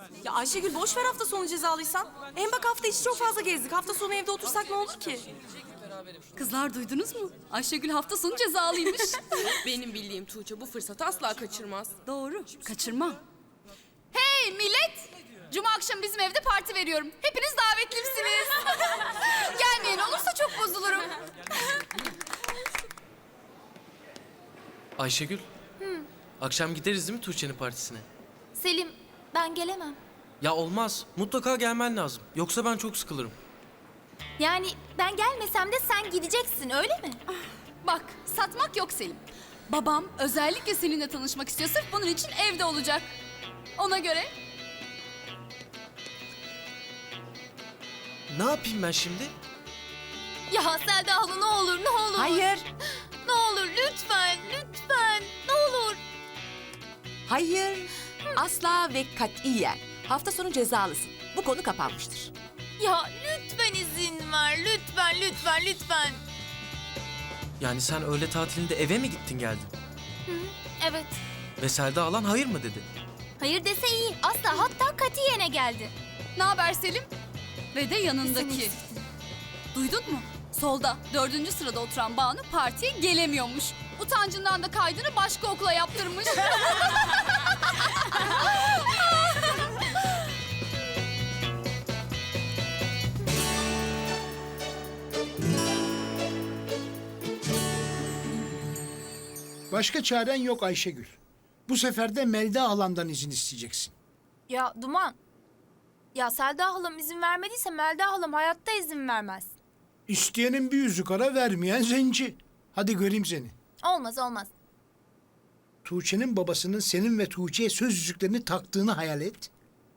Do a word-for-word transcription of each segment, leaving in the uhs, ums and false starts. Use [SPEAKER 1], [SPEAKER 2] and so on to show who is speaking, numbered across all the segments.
[SPEAKER 1] Ya Ayşegül boş ver hafta sonu cezalıysan. Hem bak hafta içi çok fazla gezdik. Hafta sonu evde otursak ne olur ki?
[SPEAKER 2] Kızlar duydunuz mu? Ayşegül hafta sonu cezalıymış.
[SPEAKER 3] Benim bildiğim Tuğçe bu fırsatı asla kaçırmaz.
[SPEAKER 2] Doğru, kaçırmam. Hey millet! Cuma akşamı bizim evde parti veriyorum. Hepiniz davetlisiniz. Gelmeyen olursa çok bozulurum.
[SPEAKER 4] Ayşegül. Akşam gideriz değil mi Tuğçe'nin partisine?
[SPEAKER 5] Selim, ben gelemem.
[SPEAKER 4] Ya olmaz. Mutlaka gelmen lazım. Yoksa ben çok sıkılırım.
[SPEAKER 5] Yani ben gelmesem de sen gideceksin, öyle mi?
[SPEAKER 2] Bak, satmak yok Selim. Babam özellikle seninle tanışmak istiyor. Sırf bunun için evde olacak. Ona göre
[SPEAKER 4] Ne yapayım ben şimdi?
[SPEAKER 5] Ya Selda hala ne olur, ne olur.
[SPEAKER 6] Hayır,
[SPEAKER 5] Ne olur, lütfen, lütfen, ne olur.
[SPEAKER 6] hayır. Asla ve katiyen. Hafta sonu cezalısın. Bu konu kapanmıştır.
[SPEAKER 5] Ya lütfen izin ver, lütfen, lütfen, lütfen.
[SPEAKER 4] Yani sen öğle tatilinde eve mi gittin geldin?
[SPEAKER 5] Evet,
[SPEAKER 4] Ve Selda alan hayır mı dedi?
[SPEAKER 5] hayır dese iyi. Asla, hatta katiyene geldi.
[SPEAKER 2] ne haber Selim? Ve de yanındaki.
[SPEAKER 5] Seni
[SPEAKER 2] Duydun mu? Solda dördüncü sırada oturan Banu partiye gelemiyormuş. Utancından da kaydını başka okula yaptırmış.
[SPEAKER 7] Başka çaren yok Ayşegül. Bu sefer de Melda halandan izin isteyeceksin.
[SPEAKER 5] Ya Duman, ya Selda halam izin vermediyse Melda halam hayatta izin vermez.
[SPEAKER 7] İsteyenin bir yüzük ara, vermeyen zenci. Hadi göreyim seni.
[SPEAKER 5] Olmaz, olmaz.
[SPEAKER 7] Tuğçe'nin babasının senin ve Tuğçe'ye söz yüzüklerini taktığını hayal et.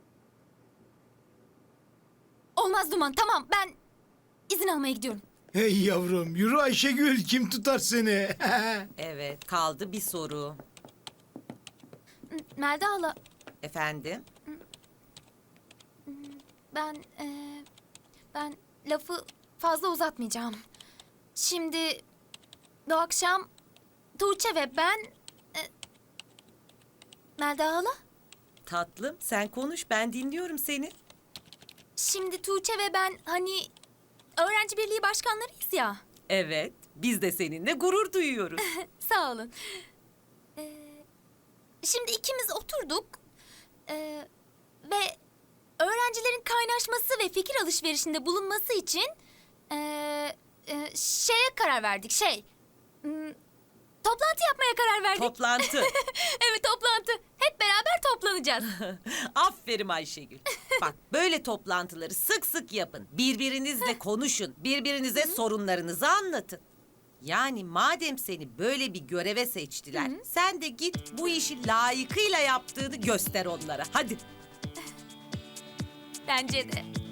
[SPEAKER 5] Olmaz Duman, tamam ben izin almaya gidiyorum.
[SPEAKER 7] Hey yavrum, yürü Ayşegül, kim tutar seni?
[SPEAKER 8] Evet, kaldı bir soru.
[SPEAKER 5] Melda hala,
[SPEAKER 8] Efendim?
[SPEAKER 5] ben eee, ben lafı fazla uzatmayacağım. Şimdi bu akşam Tuğçe ve ben e, Melda hala,
[SPEAKER 8] Tatlım, sen konuş, ben dinliyorum seni.
[SPEAKER 5] şimdi Tuğçe ve ben hani öğrenci birliği başkanlarıyız ya.
[SPEAKER 8] Evet, biz de seninle gurur duyuyoruz.
[SPEAKER 5] Sağ olun. Ee, şimdi ikimiz oturduk ee, ve öğrencilerin kaynaşması ve fikir alışverişinde bulunması için ee, e, şeye karar verdik. Şey, hmm, toplantı yapmaya karar verdik.
[SPEAKER 8] Toplantı.
[SPEAKER 5] Evet, toplantı. Hep beraber toplanacağız.
[SPEAKER 8] Aferin Ayşegül. Bak, böyle toplantıları sık sık yapın. Birbirinizle konuşun, birbirinize sorunlarınızı anlatın. Yani madem seni böyle bir göreve seçtiler, sen de git bu işi layıkıyla yaptığını göster onlara. Hadi.
[SPEAKER 5] Bence de.